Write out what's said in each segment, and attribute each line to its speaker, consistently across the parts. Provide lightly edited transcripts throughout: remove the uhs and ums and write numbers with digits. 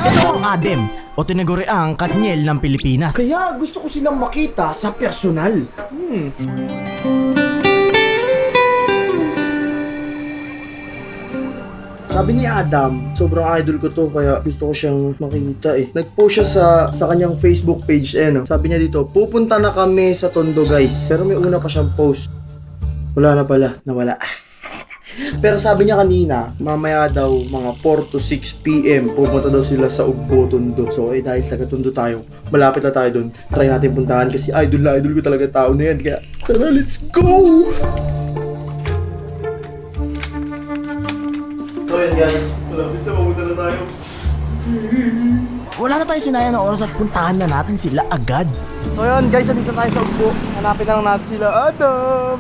Speaker 1: Ito ang Adem o tinaguriang Katniel ng Pilipinas.
Speaker 2: Kaya gusto ko silang makita sa personal. Sabi ni Adam, sobrang idol ko to kaya gusto ko siyang makita eh. Nag-post siya sa kanyang Facebook page no? Sabi niya dito, pupunta na kami sa Tondo guys. Pero may una pa siyang post. Wala na pala, nawala. Pero sabi niya kanina, mamaya daw mga 4 to 6 PM pupunta daw sila sa Ugbo, Tondo. So dahil taga Tondo tayo, malapit na tayo doon. Try natin puntahan kasi idol na idol ko talaga tao na yan. Kaya tara, let's go! So yun guys, malapit na pumunta na tayo.
Speaker 1: Wala na tayong sinayang na oras at puntahan na natin sila agad.
Speaker 2: So yun guys, nandito tayo sa Ugbo. Hanapin na lang natin sila. Adam!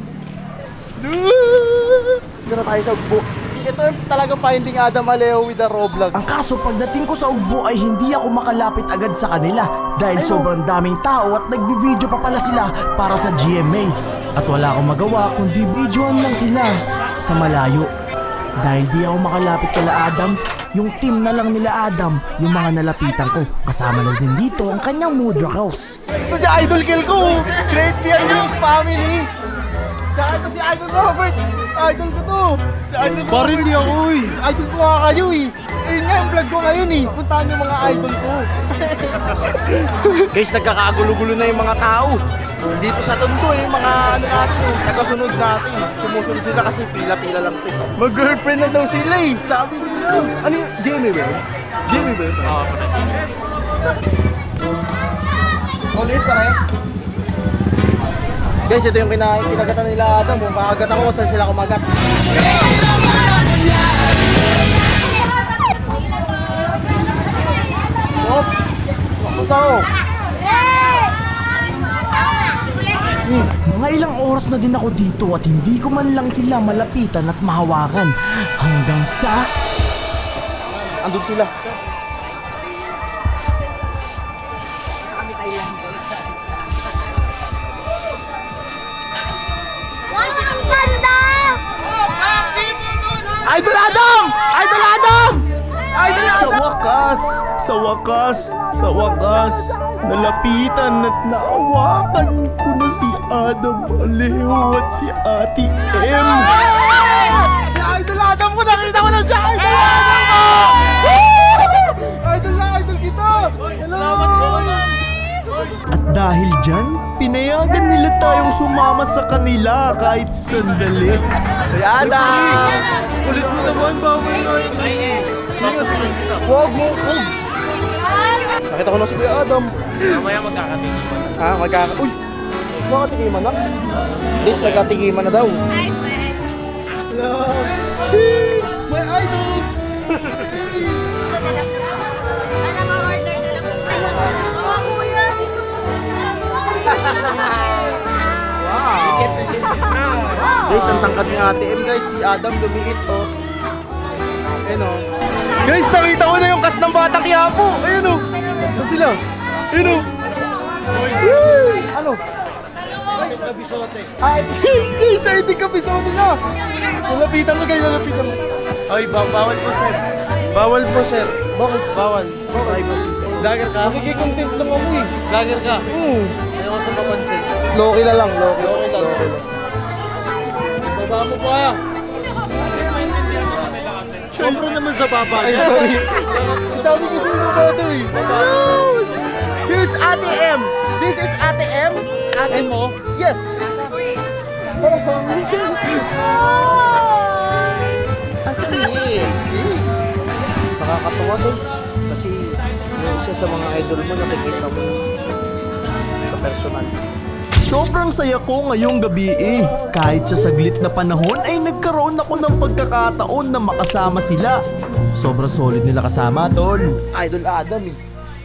Speaker 2: Dito na tayo sa Ugbo. Ito yung talagang finding Adam Aleo with the Roblox.
Speaker 1: Ang kaso pagdating ko sa Ugbo ay hindi ako makalapit agad sa kanila dahil sobrang daming tao at nagbi-video pa pala sila para sa GMA. At wala akong magawa kundi videoan lang sila sa malayo. Dahil di ako makalapit kala Adam, yung team na lang nila Adam, yung mga nalapitan ko. Kasama na din dito ang kanyang Mudrakels.
Speaker 2: Ito si Idol Kill ko! Great Beer News Family! Tsaka ito si Idol Robert! Idol ko to! Si Idol Robert! Parang hindi ako eh! Idol ko nga kayo eh! Ayun nga yung vlog ko ngayon eh! Puntahan yung mga idol ko! Guys, nagkakagulo-gulo na yung mga tao! Dito sa Tondo yung mga ano natin eh, nakasunod natin. Sumusunod sila kasi pila-pila lang ito. Mag-girlfriend na daw sila eh! Sabi nila! Ano yung Jamie ba yun? Jamie ba yun? Oo, ulit pa rin. Guys, ito yung kinagatan nila Adam. Kung kakagat ako, saan sila kumagat? Hop! Punta ako!
Speaker 1: Mga ilang oras na din ako dito at hindi ko man lang sila malapitan at mahawakan. Hanggang sa...
Speaker 2: Andun sila. Idol Adam! Idol Adam! Idol Adam!
Speaker 1: Sa wakas, nalapitan at naawakan ko na si Adam Aleo at si Ate M.
Speaker 2: Si Idol Adam ko! Nakita ko na si Idol Adam ko! Idol na idol kita! Hello!
Speaker 1: At dahil dyan, pinayagan nila tayong sumama sa kanila kahit sandali.
Speaker 2: Si Adam! Kulit mo naman, bawal na yun. Huwag mo, huwag! Nakita ko na si Kuya Adam.
Speaker 3: Mamaya magkakatingiman.
Speaker 2: Uy! Magkatigiman na? Yes, nagkatigiman na daw. Hello! Hey! My idols! Wow! Guys, ang tangkad ni Ate M guys. Si Adam lumiit oh. Ayun oh. Guys, nakita ko na yung cast ng Batang Quiapo. Ayun oh. Ito sila. Ayun oh. Ano? Ay, guys, ay hindi kabisote na. Nalapitan mo guys, nalapitan mo.
Speaker 3: Ay, bawal po sir.
Speaker 2: Bawal po sir. Bakit?
Speaker 3: Bawal.
Speaker 2: Ay,
Speaker 3: Vlogger ka?
Speaker 2: Nakikikontent lang ako eh.
Speaker 3: Vlogger ka? Ayaw ko sa mapansin.
Speaker 2: Loki na lang, Loki.
Speaker 3: Loki lang. Baba mo pa. Siyempre naman sa baba.
Speaker 2: Ay, sorry. Sabi kasi yung mga ito eh. Here's Ate M. This is Ate M.
Speaker 3: Ate mo?
Speaker 2: Yes. Asmin. Nakakatawa guys. Kasi yung isa sa mga idol mo nakikita mo sa personal.
Speaker 1: Sobrang saya ko ngayong gabi eh. Kahit sa saglit na panahon ay nagkaroon ako ng pagkakataon na makasama sila. Sobrang solid nila kasama, tol.
Speaker 2: Idol Adam eh.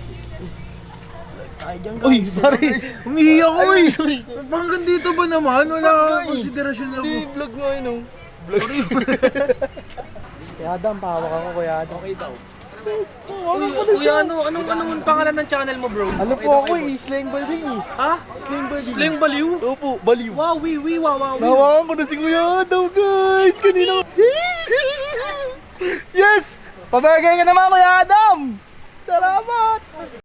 Speaker 3: Uy, sorry. Umiiyak ako eh.
Speaker 2: Sorry.
Speaker 3: Hanggang dito ba naman? Wala akong konsiderasyon na
Speaker 2: Hindi, vlog mo yun oh. Vlog. Kuya Adam, pahawak ako Kuya Adam. Okay daw.
Speaker 3: Kuya, anong pangalan ng channel mo, bro?
Speaker 2: Ano po ako eh, slang balding eh.
Speaker 3: Ha?
Speaker 2: Slang balding.
Speaker 3: Slang baliw?
Speaker 2: Opo, baliw.
Speaker 3: Wow, wow.
Speaker 2: Nahawakan ko na si Kuya Adam guys, kanina. Yes! Pabargay ka naman Kuya Adam!
Speaker 3: Salamat!